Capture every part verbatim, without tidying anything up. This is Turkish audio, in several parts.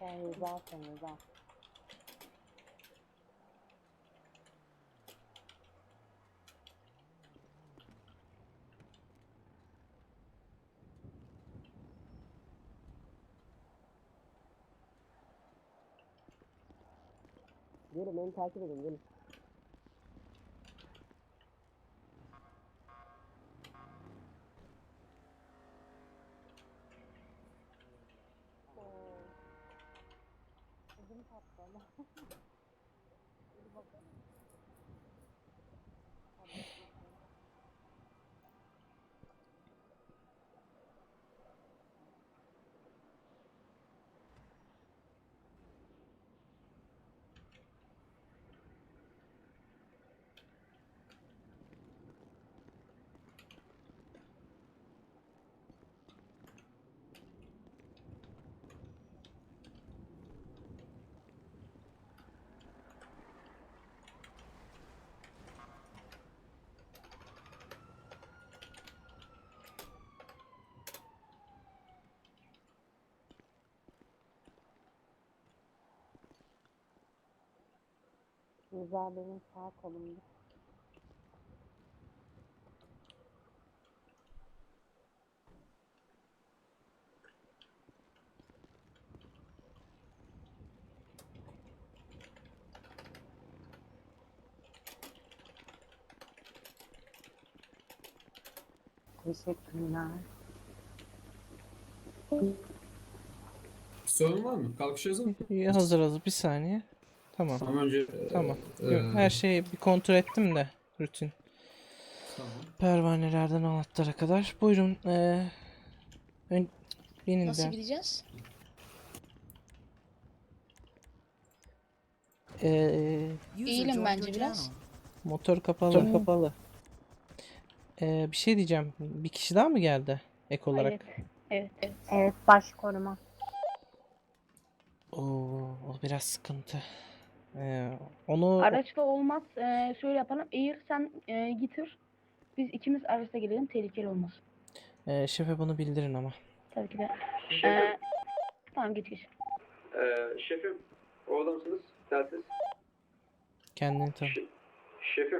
Sen zaten zaten. Gelin beni takip edin gelin. Ödüm patladı ama. Hadi bakalım. Rıza benim sağ kolumda. Teşekkürler. Sorun var mı? Kalkış hazır mı? İyi, hazır hazır bir saniye. Tamam. Tamam önce Tamam. e, Yok, her şeyi bir kontrol ettim de rutin. tamam. Pervanelerden anahtar'a kadar. Buyurun. Ee, ön, benim Nasıl de. gideceğiz? Ee, Eğilim bence biraz. motor kapalı. kapalı. Ee, bir şey diyeceğim. Bir kişi daha mı geldi ek olarak? Evet. Evet. Evet baş koruma. Oo, o biraz sıkıntı. Ee, onu Araçta olmaz. Ee, şöyle yapalım. Eğer sen e, getir. Biz ikimiz araçta gelelim. Tehlikeli olmaz. e, şefe bunu bildirin ama. Tabii ki de. Şefim, Ee, tamam geç geç. e, şefim, orada mısınız? Telsiz. Kendini tanı. Ş- şefim.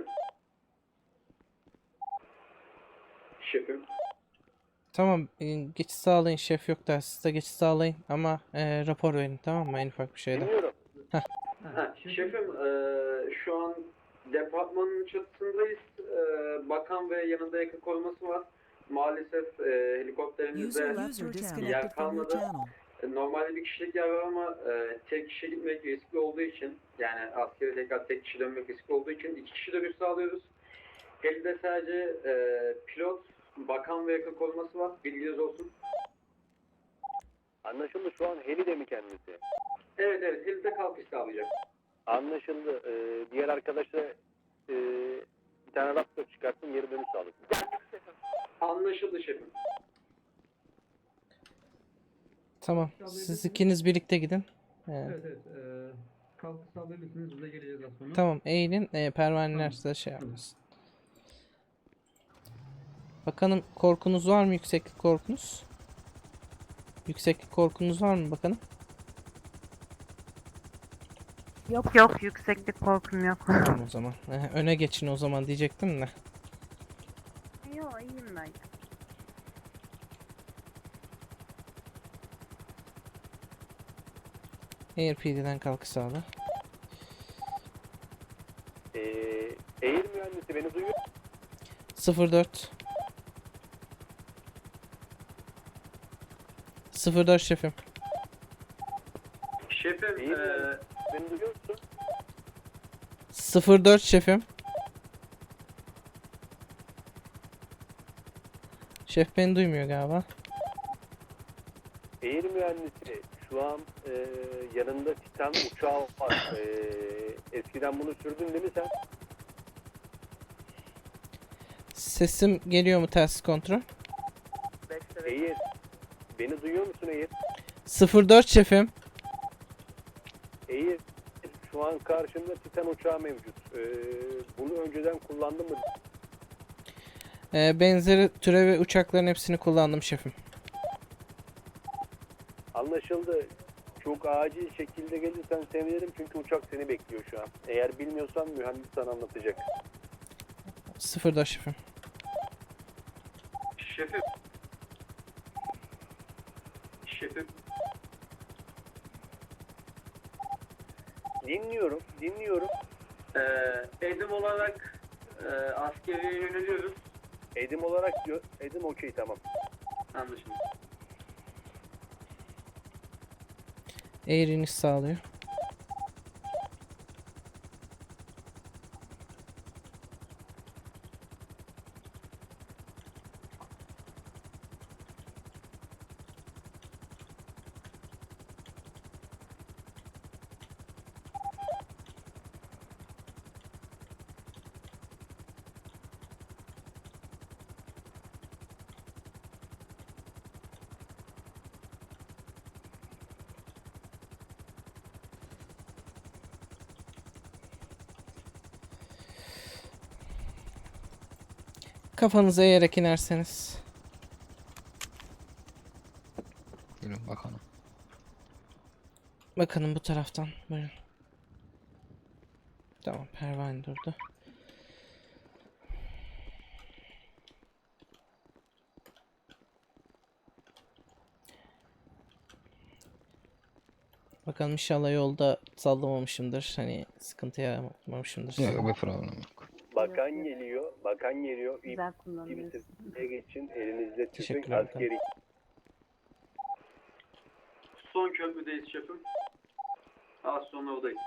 Şefim. Tamam, e, geçiş sağlayın, şef yok da siz de geçiş sağlayın ama e, rapor verin, tamam mı, en ufak bir şeyde. Dinliyorum. Ha, şefim, e, şu an departmanın çatısındayız. E, bakan ve yanında yakın koruması var. Maalesef e, helikopterimizde yer kalmadı. E, Normalde bir kişilik yer var ama e, tek kişi gitmek riskli olduğu için, yani askeri tekrar tek kişi dönmek riskli olduğu için iki kişi dönüş sağlıyoruz. Helide sadece e, pilot, bakan ve yakın koruması var. Bilginiz olsun. Anlaşıldı. Şu an Heli de mi kendisi? Evet evet, helide kalkış sağlayacak. Anlaşıldı. Ee, diğer arkadaşa e, bir tane raptor çıkarttım. Geri dönüş sağlık. Anlaşıldı şefim. Tamam, siz ikiniz birlikte gidin. E, Evet evet. E, kalkış sağlayabilirsiniz. Biz de geleceğiz az sonra. tamam, eğilin, e, pervaneler Tamam. size şey yapmasın. Bakanım, korkunuz var mı, yükseklik korkunuz? Yükseklik korkunuz var mı bakanım? Yok yok yükseklik korkum yok. Tamam o zaman. E, öne geçin o zaman diyecektim de. Yok iyiyim ben. Air P D'den kalkış sağla. Ee, Eğir mühendisi beni duyuyor. sıfır dört. sıfır dört şefim. Şefim, İyi e, mi? Beni duyuyor musun? sıfır dört şefim. Şef beni duymuyor galiba. Eğir mühendisi şu an e, yanında Titan uçağı var. E, eskiden bunu sürdün değil mi sen? Sesim geliyor mu, telsiz kontrol? Eğir. Beni duyuyor musun Eğir? sıfır dört şefim. Eğir. Şu an karşımda Titan uçağı mevcut. E, bunu önceden kullandın mı? Ee, benzeri türevi uçakların hepsini kullandım şefim. Anlaşıldı. çok acil şekilde gelirsen sevinirim çünkü uçak seni bekliyor şu an. Eğer bilmiyorsan mühendis sana anlatacak. Sıfırda şefim. Şefim. Şefim. Dinliyorum, dinliyorum. Ee, edim olarak e, askeriye yöneliyoruz. Edim olarak diyor. Edim okey tamam. Anlaşıldı. Air iniş sağlıyor. Kafanızı eğerek inerseniz. Buyurun bakalım. Bakın bu taraftan. Buyurun. Tamam, pervane durdu. Bakalım inşallah yolda sallamamışımdır. Hani sıkıntı yaratmamışımdır size. Yok bir problem yok. Bakan geliyor, bakan geliyor. İp Güzel gibi kullanıyorsun. tepkiye geçin, elinizde tüfek Teşekkürler bakanım. askeri. Son köprüdeyiz şefim. Az sonra oradayız.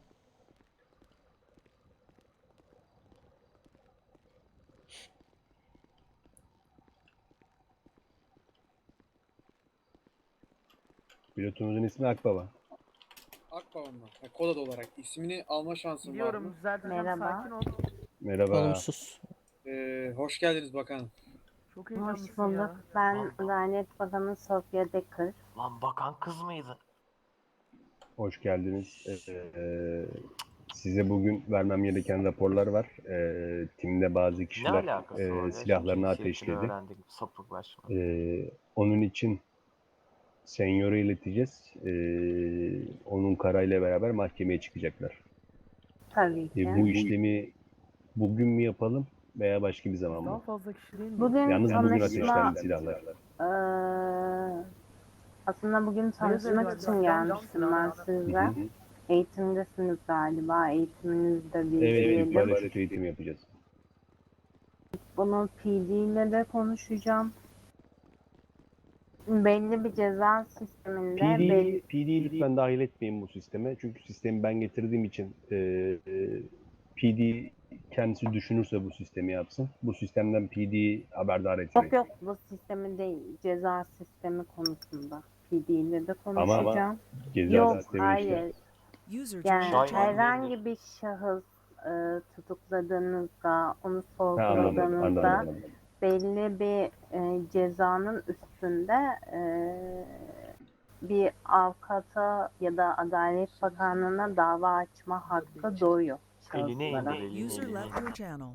Pilotumuzun ismi Akbaba. Akbaba mı? Ha, kod adı olarak. İsmini alma şansın var Biliyorum mı? düzelteceğim, Merhaba. sakin ol. Merhaba. Olumsuz. Ee, hoş geldiniz bakanım. Çok Hoş heyecanlısın bulduk. ya. Ben Adalet Bakanı Sofya Dekker. Lan bakan kız mıydı? Hoş geldiniz. Ee, size bugün vermem gereken raporlar var. Ee, timde bazı Ne kişiler alakası e, var ya? silahlarını Şimdi cinsiyetini ateşledi. öğrendik sapıklaşma. Ee, onun için senyora ileteceğiz. Ee, onun kararıyla beraber mahkemeye çıkacaklar. Tabii ki. Ee, bu işlemi bugün mü yapalım veya başka bir zaman Daha mı? fazla kişi değil mi? Bugün Yalnız bugün tanışma, ateşlendi silahlar. eee, aslında bugün tanışmak Evet, için evet, gelmiştim ben Hı sizle. hı. Eğitimdesiniz galiba. Eğitiminizde bir Evet, diyelim. ilk paraşüt eğitimi yapacağız. Bunu P D ile de konuşacağım. Belli bir ceza sisteminde P D'yi belli P D'yi lütfen dahil etmeyin bu sisteme. Çünkü sistemi ben getirdiğim için e, e, P D kendisi düşünürse bu sistemi yapsın. Bu sistemden P D'yi haberdar etmeyin. yok yok bu sistemi değil, ceza sistemi konusunda P D ile de konuşacağım. Ceza Yok, sistemi işte. hayır. Yani Şahin herhangi olabilir. bir şahıs e, tutukladığınızda, onu Ha, anladım, sorguladığınızda anladım. belli bir e, cezanın üstünde e, bir avukata ya da Adalet Bakanlığı'na dava açma hakkı doğuyor Eline indir, şahıslara. eline User eline. left your channel.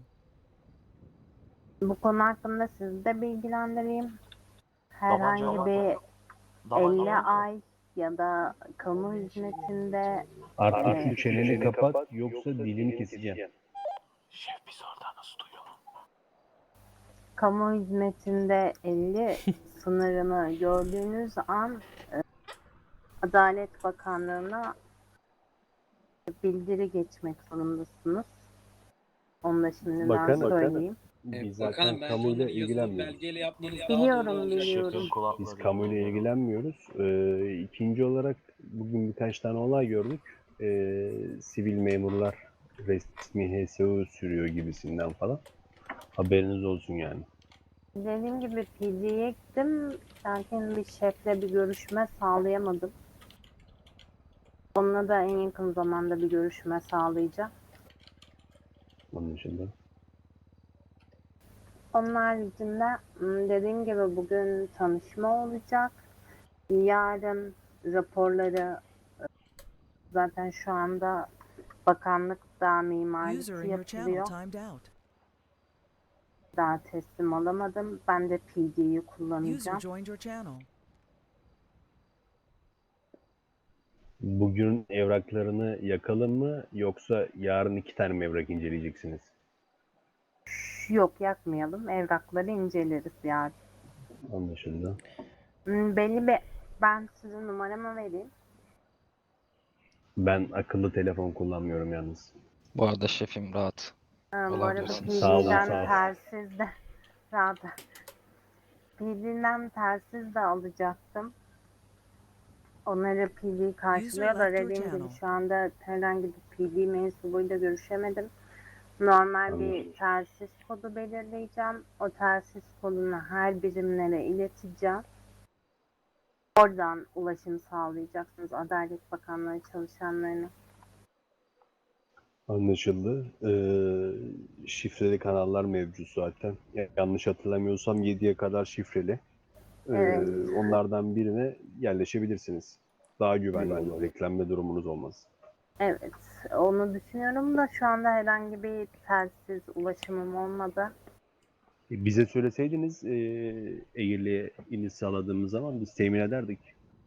Bu konu hakkında sizi de bilgilendireyim. Herhangi Tabanca var bir mı? Tabanca elli var mı? ay ya da kamu hizmetinde Artık Evet. şu çeneni kapat yoksa dilini keseceğim. Şef biz orada nasıl duyuyor? kamu hizmetinde elli sınırını gördüğünüz an e, Adalet Bakanlığı'na bildiri geçmek zorundasınız. Onu da şimdiden Bakan- söyleyeyim. Ee, Biz bakanım zaten bence kamuyla onu yazılı ilgilenmiyoruz. belgeyle yapmanız daha Biliyorum, doğru olacak. biliyorum. Şefin kulakları. Biz kamuyla ilgilenmiyoruz. Ee, ikinci olarak bugün birkaç tane olay gördük. Ee, sivil memurlar resmi H S U sürüyor gibisinden falan. Haberiniz olsun yani. Dediğim gibi P D'ye gittim. Lakin bir şefle bir görüşme sağlayamadım. Onunla da en yakın zamanda bir görüşme sağlayacağım. Onun dışında. Onun haricinde m, dediğim gibi bugün tanışma olacak. Yarın raporları e, zaten şu anda bakanlıkta User mimarisi in your channel yapılıyor. timed out. Daha teslim alamadım. Ben de P D'yi User kullanacağım. joined your channel. Bugün evraklarını yakalım mı yoksa yarın iki tane mi evrak inceleyeceksiniz? Yok, yakmayalım. Evrakları inceleriz yani. Anlaşıldı. Hmm, belli bir... Ben size numaramı vereyim. Ben akıllı telefon kullanmıyorum yalnız. Bu arada şefim rahat. Ee, bu arada Olabilirsiniz. Sağ olun, P D'den sağ olun. telsiz de rahat. P D'den telsiz de alacaktım. Onları P D karşılıyorlar. left your Dediğim gibi channel. şu anda herhangi bir P D mensubuyla görüşemedim. Normal bir Anladım. telsiz kodu belirleyeceğim. O telsiz kodunu her birimlere ileteceğim. Oradan ulaşım sağlayacaksınız Adalet Bakanlığı çalışanlarına. Anlaşıldı. Ee, şifreli kanallar mevcut zaten. Ya- Yanlış hatırlamıyorsam yediye kadar şifreli. Ee, Evet. Onlardan birine yerleşebilirsiniz. Daha güvenli olur. Reklamda durumunuz olmaz. Evet, onu düşünüyorum da şu anda herhangi bir telsiz ulaşımım olmadı. E, Bize söyleseydiniz e, Eğirli'ye iniş sağladığımız zaman biz temin ederdik.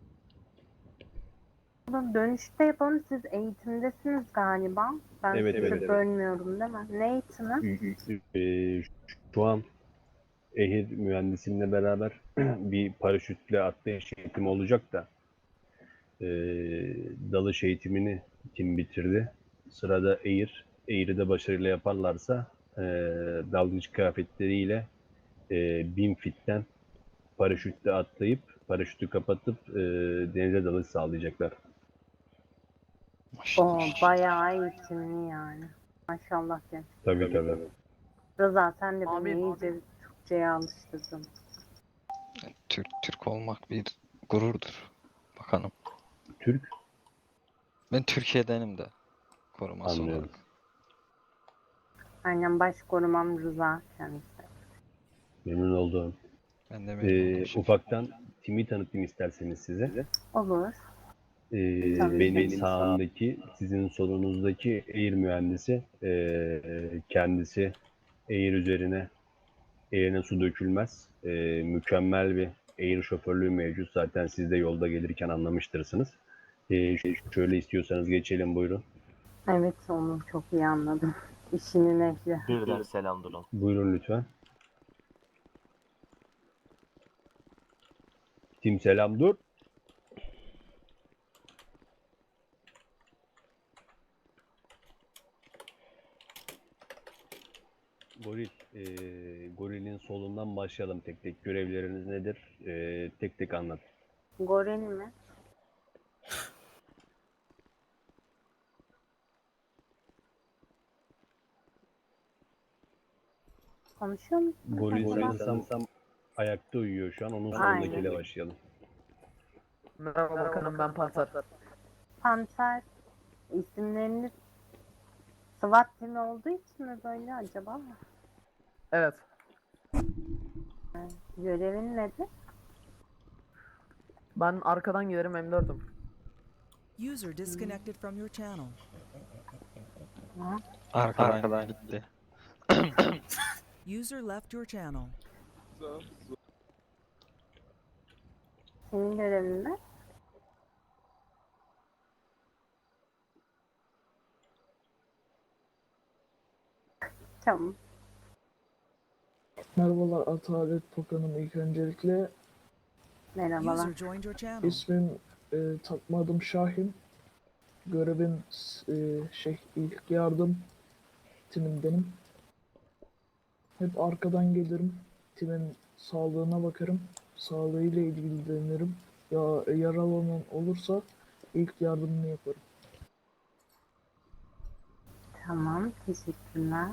Bunu dönüşte yapalım. Siz eğitimdesiniz galiba. Ben Evet, sizi evet, evet. bölmüyorum değil mi? Ne eğitimi? Ee, Şu an Ehir mühendisimle beraber bir paraşütle atlayış eğitimi olacak da ee, dalış eğitimini kim bitirdi? Sırada Eğir. Eğir'i de başarıyla yaparlarsa ee, dalgıç kıyafetleriyle ee, bin fitten paraşütle atlayıp paraşütü kapatıp ee, denize dalış sağlayacaklar. O Maşallah. bayağı eğitimli yani. Maşallah ya. Tabii tabii. Rıza sen de beni Amin. iyice Türkçe'ye alıştırdın. Türk Türk olmak bir gururdur. Bakanım. Türk Ben Türkiye'denim de koruması anlıyorum. olarak. Aynen, baş korumam Rıza kendisi. Memnun oldum. Ben de memnun Ee, oldum şefim. ufaktan timi tanıtayım isterseniz size. Olur. Ee, Tabii. benim sağımdaki, sizin solunuzdaki Air mühendisi. Ee, kendisi Air üzerine, Air'ine su dökülmez. Ee, mükemmel bir Air şoförlüğü mevcut. Zaten siz de yolda gelirken anlamıştırsınız. Ee, ş- şöyle istiyorsanız geçelim, buyurun. Evet, onu çok iyi anladım. İşinin ehli. Birden selam durun. Buyurun lütfen. Tim selam dur. Goril, e, gorilin solundan başlayalım tek tek. Görevleriniz nedir? E, tek tek anlat. Goril mi? Konuşuyor musun? Goril acaba? sanırsam ayakta uyuyor şu an. Onun Aynen. sonundakiyle başlayalım. Merhaba bakanım, ben Pantar. Panter isimleriniz SWAT timi olduğu için mi böyle acaba? Evet. Görevin nedir? Ben arkadan gelirim, M dört'üm. User disconnected from your channel. Arkadan, Arkadan gitti. User left your channel. Senin görevin ne? Tamam. Merhabalar Adalet Bakanım, ilk öncelikle Merhabalar. User joined your channel. ismim e, takma adım Şahin. Görevim e, şey ilk yardım timindenim. Hep arkadan gelirim. Timin sağlığına bakarım. Sağlığıyla ilgilenirim. Ya yaralanan olursa ilk yardımını yaparım. Tamam, teşekkürler.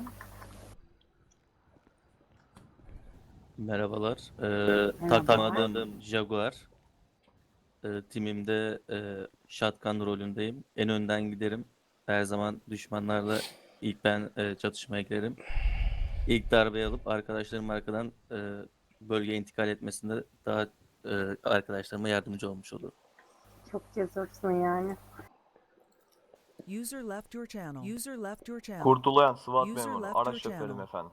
Merhabalar. Ee, Merhaba. takma adım Jaguar. Ee, timimde e, shotgun rolündeyim. En önden giderim. Her zaman düşmanlarla ilk ben e, çatışmaya girerim. İlk darbeyi alıp arkadaşlarım arkadan e, bölgeye intikal etmesinde daha e, arkadaşlarıma yardımcı olmuş olurum. Çok cesursun yani. User left your channel. User left your channel. Kurtulayan SWAT User memuru, left araç your şoförüm channel. efendim.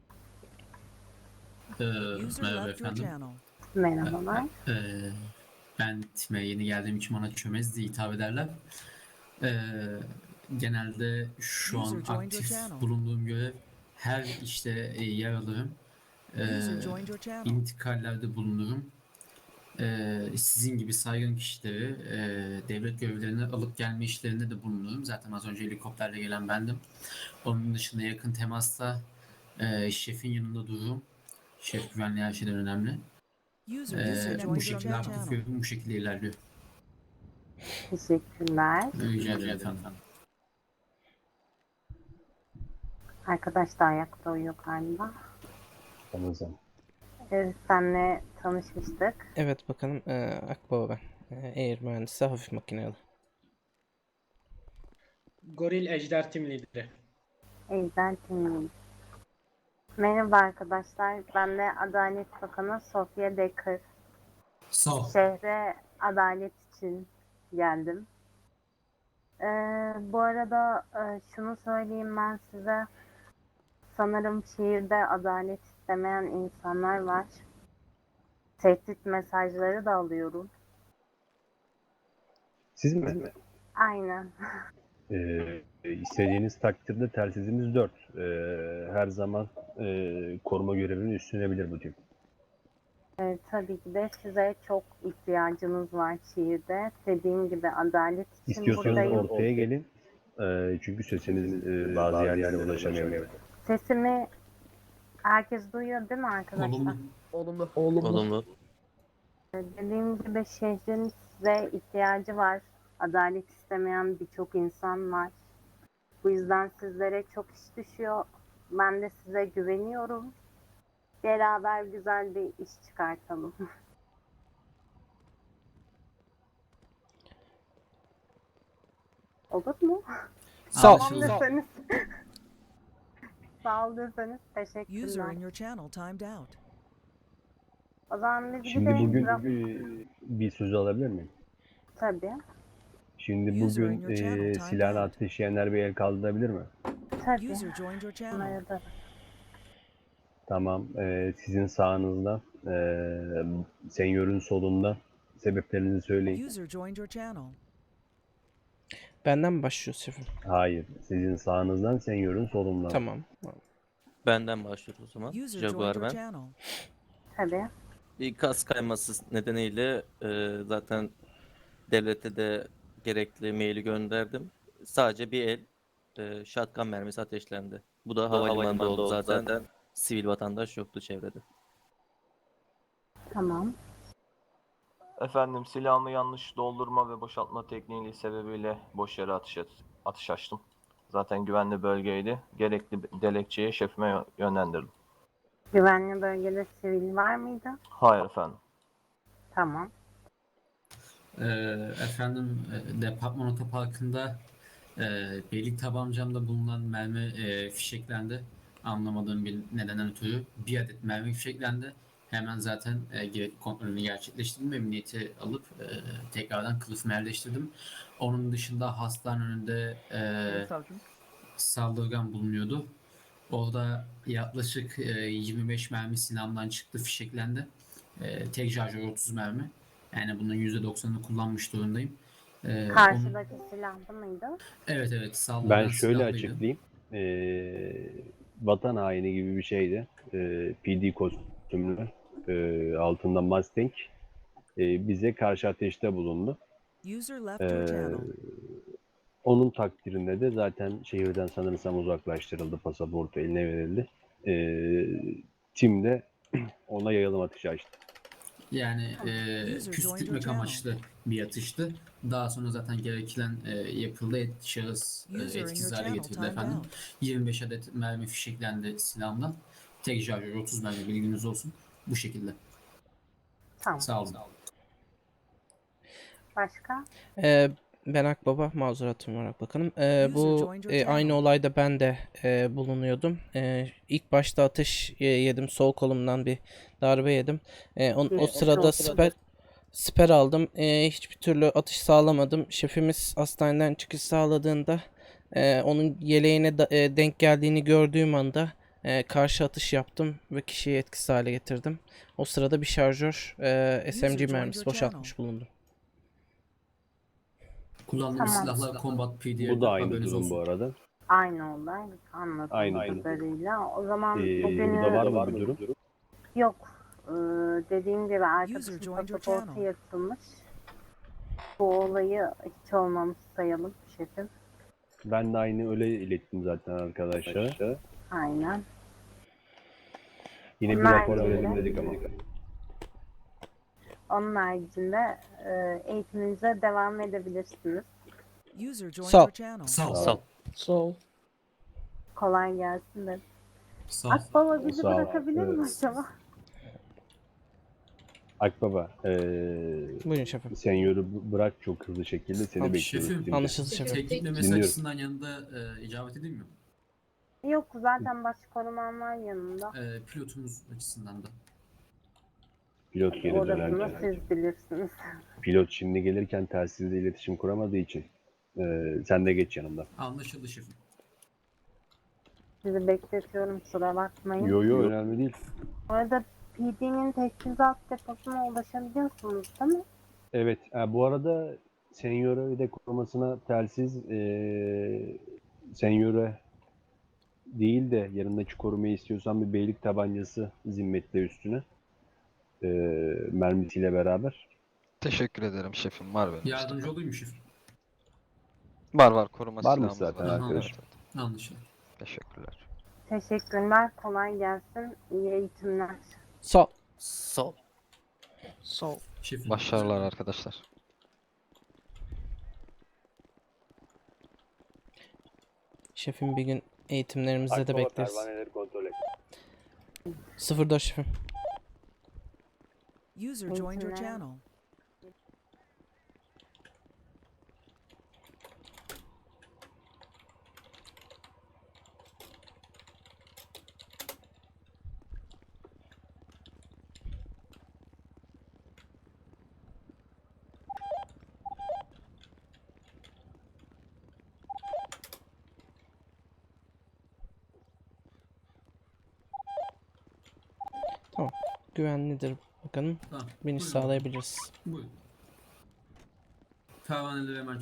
User left your channel. Merhabalar. Ee, Ben time yeni geldiğim için bana çömez diye hitap ederler. Ee, genelde şu an aktif bulunduğum görev her işte e, yer alırım. Ee, intikallerde bulunurum. Ee, sizin gibi saygın kişileri e, devlet görevlerine alıp gelme işlerinde de bulunurum. Zaten az önce helikopterle gelen bendim. Onun dışında yakın temasta e, şefin yanında dururum. Şef güvenliği her şeyden önemli. Ee, bu şekilde aktif görevim bu şekilde ilerliyor. Teşekkürler. Rica ederim efendim. Arkadaş da ayakta uyuyor galiba. Sanırsam. Ee, senle tanışmıştık. Evet bakanım, e, Akbaba ben. E, Air mühendisi, hafif makinalı. Goril Ejder Tim Lideri. Ejder Timur. Merhaba arkadaşlar. Ben de Adalet Bakanı Sofia Decker. Sağ ol. Şehre adalet için geldim. Ee, bu arada e, şunu söyleyeyim ben size. Sanırım şehirde adalet istemeyen insanlar var. Tehdit mesajları da alıyorum. Siz mi? Aynen. Ee, istediğiniz takdirde telsizimiz dört. Ee, her zaman e, koruma görevini üstlenebilir bu tip. Ee, tabii ki de size çok ihtiyacımız var şehirde. Dediğim gibi adalet için İstiyorsanız buradayım. ortaya gelin. Ee, çünkü sesiniz e, bazı yerlere ulaşamıyor. Sesimi herkes duyuyor değil mi arkadaşlar? Olumlu. Olumlu. Oğlum Olumlu. Dediğim gibi şehrin size ihtiyacı var. Adalet istemeyen birçok insan var. Bu yüzden sizlere çok iş düşüyor. Ben de size güveniyorum. Beraber güzel bir iş çıkartalım. Olur mu? Sağ ol. Tamam deseniz. Sağ ol deseniz teşekkürler. O zaman biz Şimdi gidelim. bugün Raf- bir, bir söz alabilir miyim? Tabii. Şimdi bugün e, silahını ateşleyenler bir el kaldırabilir mi? Tabii. Bunları da- Tamam. E, sizin sağınızda, e, senyörün solunda sebeplerinizi söyleyin. Benden mi başlıyor şefim? Hayır. Sizin sağınızdan, senyörün solundan. Tamam. Benden başlıyoruz o zaman. Jaguar ben. Tabii. Bir kas kayması nedeniyle e, zaten devlete de gerekli maili gönderdim. Sadece bir el e, shotgun mermisi ateşlendi. Bu da havalimanında oldu zaten. Sivil vatandaş yoktu çevrede. Tamam. Efendim silahımı yanlış doldurma ve boşaltma tekniği sebebiyle boş yere atış, atış açtım. Zaten güvenli bölgeydi. Gerekli dilekçeyi şefime yö- yönlendirdim. Güvenli bölgede sivil var mıydı? Hayır efendim. Tamam. Ee, efendim e, departman otoparkında e, beylik tabancamda bulunan mermi e, fişeklendi. Anlamadığım bir nedenden ötürü bir adet mermi fişeklendi. Hemen zaten e, gerekli kontrolünü gerçekleştirdim. Emniyeti alıp e, tekrardan kılıfımı yerleştirdim. Onun dışında hastanın önünde e, Savcım. saldırgan bulunuyordu. Orada yaklaşık e, yirmi beş mermi silahımdan çıktı, fişeklendi. E, tek şarjör otuz mermi. Yani bunun yüzde doksanını kullanmış durumdayım. E, onun- Karşıdaki silahlı mıydı? Evet evet saldırgan Ben şöyle silahlıydı. açıklayayım. Ee, vatan haini gibi bir şeydi. Ee, P D kostümlü, e, altında Mustang. e, bize karşı ateşte bulundu. Ee, onun takdirinde de zaten şehirden sanırsam uzaklaştırıldı, pasaportu eline verildi. Ee, tim de ona yayılım atışı açtı. Yani e, püskürtmek amaçlı bir atıştı. Daha sonra zaten gereken e, yapıldı. Et, şahıs e, etkisiz hale getirildi efendim. yirmi beş adet mermi fişeklendi silahımdan. Tek şarjör otuz mermi, bilginiz olsun. Bu şekilde. Tamam. Sağ olun. Başka? Ee, ben Akbaba, mazuratım var bakanım. Ee, bu e, aynı olayda ben de e, bulunuyordum. E, ilk başta ateş e, yedim, sol kolumdan bir darbe yedim. E, on- o sırada siper siper aldım. E, hiçbir türlü atış sağlamadım. Şefimiz hastaneden çıkış sağladığında e, onun yeleğine da- e, denk geldiğini gördüğüm anda e, karşı atış yaptım ve kişiyi etkisiz hale getirdim. O sırada bir şarjör e, S M G User mermisi joined your boşaltmış bulundum. Kullandığımız Tamam. silahlar Combat P D R'de, Bu da aynı haberiniz durum olsun. bu arada. Aynı olay anladığım Aynı durum. kadarıyla. O zaman Ee, bugünü burada var mı bir durum? yok. Ee, dediğim gibi User arkadaşım joined your pasaportu channel. yırtılmış. Bu olayı hiç olmamış sayalım şefim. Ben de aynı öyle ilettim zaten arkadaşlara. Aynen. Yine bir Onlar rapor yine- verelim dedik ama. Onun haricinde e, eğitiminize devam edebilirsiniz. User joined Sağ ol. your channel. Sağ ol. Sağ ol. Sağ ol. Kolay gelsin de. Sağ ol. Akbaba bizi Sağ ol. bırakabilir mi Evet. acaba? Akbaba, ee, Buyurun şefim. senyoru b- bırak çok hızlı şekilde seni Tamam, bekliyoruz. Şefim, Dinle. Anlaşıldı şefim. teknik memesi Dinliyorum. açısından yanında e, icabet edeyim mi? Yok zaten baş koruman var yanında. E, pilotumuz açısından da. Pilot geri Orasını dönerken. siz bilirsiniz. Pilot şimdi gelirken telsizle iletişim kuramadığı için ee, sen de geç yanımda. Anlaşıldı şefim. Sizi bekletiyorum, kusura bakmayın. Yo yo önemli değil. Bu arada P D'nin teçhizat deposuna ulaşabiliyorsunuz değil mi? Evet, ha, bu arada senyora ve de korumasına telsiz ee, senyora değil de yanındaki korumayı istiyorsan bir beylik tabancası zimmetle üstüne ee, mermisiyle beraber. Teşekkür ederim şefim. Var benim. Yardımcı olayım mı şefim? Var var koruma Var mı silahımız zaten var. arkadaş? Evet, evet. Anlaşıldı. Teşekkürler. Teşekkürler, kolay gelsin. İyi eğitimler. Sağ ol. Sağ ol. Sağ ol. Şefim. Başarılar arkadaşlar. Şefim bir gün eğitimlerimizde de Akbaba bekleriz. pervaneleri kontrol et. sıfır dört şefim. User joined your Eğitimler. channel. Tamam. Güvenlidir bakalım. Tamam. Biniş Buyurun. sağlayabiliriz. Buyurun. Pervaneleri hemen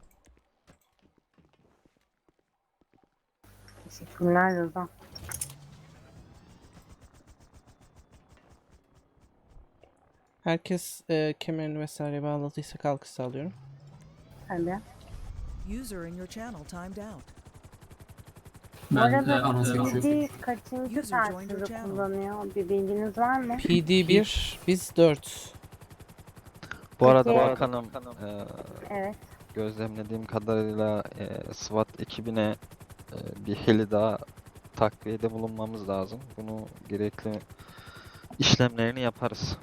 Teşekkürler Rıza. Herkes e, kemerini vesaire bağladıysa kalkış sağlıyorum. Hadi. User in your channel timed out. Bu ben e, arada anons geçiyorum. P D kaçıncı User joined your telsizi channel. kullanıyor? Bir bilginiz var mı? P D bir, biz dört. Bu arada Peki. bakanım eee, Evet. gözlemlediğim kadarıyla eee, SWAT ekibine eee, bir heli daha takviyede bulunmamız lazım. Bunu gerekli işlemlerini yaparız.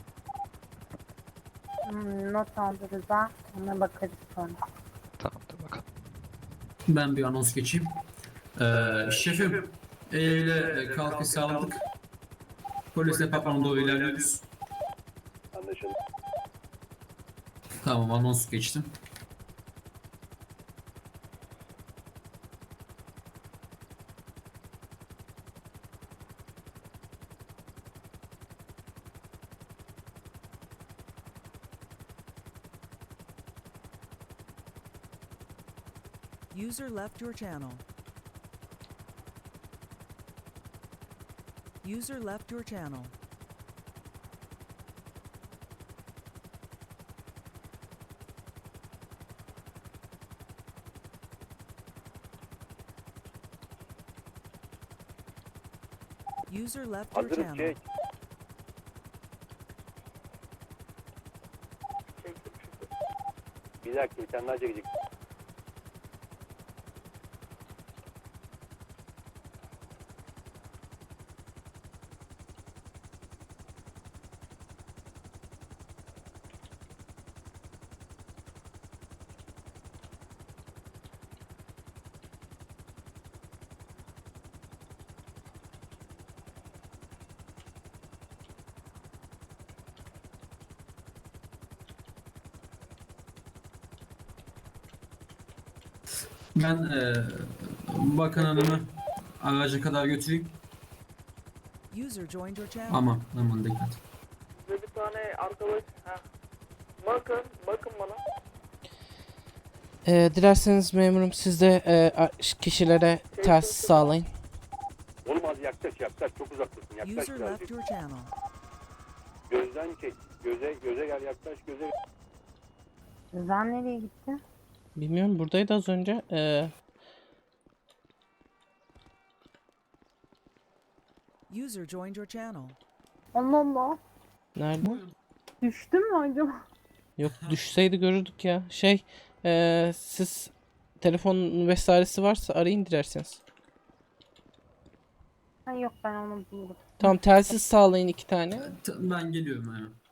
Hmm, not aldı Rıza. Ona bakarız sonra. Tamamdır bakalım. Ben bir anons geçeyim. Ee, şefim, eyle e, kalkış sağladık. Polis departmanına doğru ilerliyoruz. Anlaşıldı. Tamam, anons geçtim. User left your channel. User left your channel. User left your Hazırım, channel. çek. Bir dakika, bir tane daha çekecek. Ben e, bakan hanımı araca kadar götüreyim. User joined your channel. Aman, aman dikkat. arkadaş. Heh. Bakın, bakın bana. Ee, dilerseniz memurum siz de e, a- kişilere telsiz sağlayın. Oğlum az yaklaş, yaklaş. Çok uzaktasın. Yaklaş User left birazcık. your channel. Gözden çek. Göze, göze gel, yaklaş, göze. Rıza nereye gitti? Bilmiyorum, buradaydı az önce. Ee, User joined your channel. Allah Allah. nerede? Düştü mü acaba? Yok, düşseydi görürdük ya. Şey, ee, siz telefon vesairesi varsa arayın dilerseniz. Ha, yok ben onu bulurum. Tamam, telsiz sağlayın iki tane. Ben geliyorum hemen.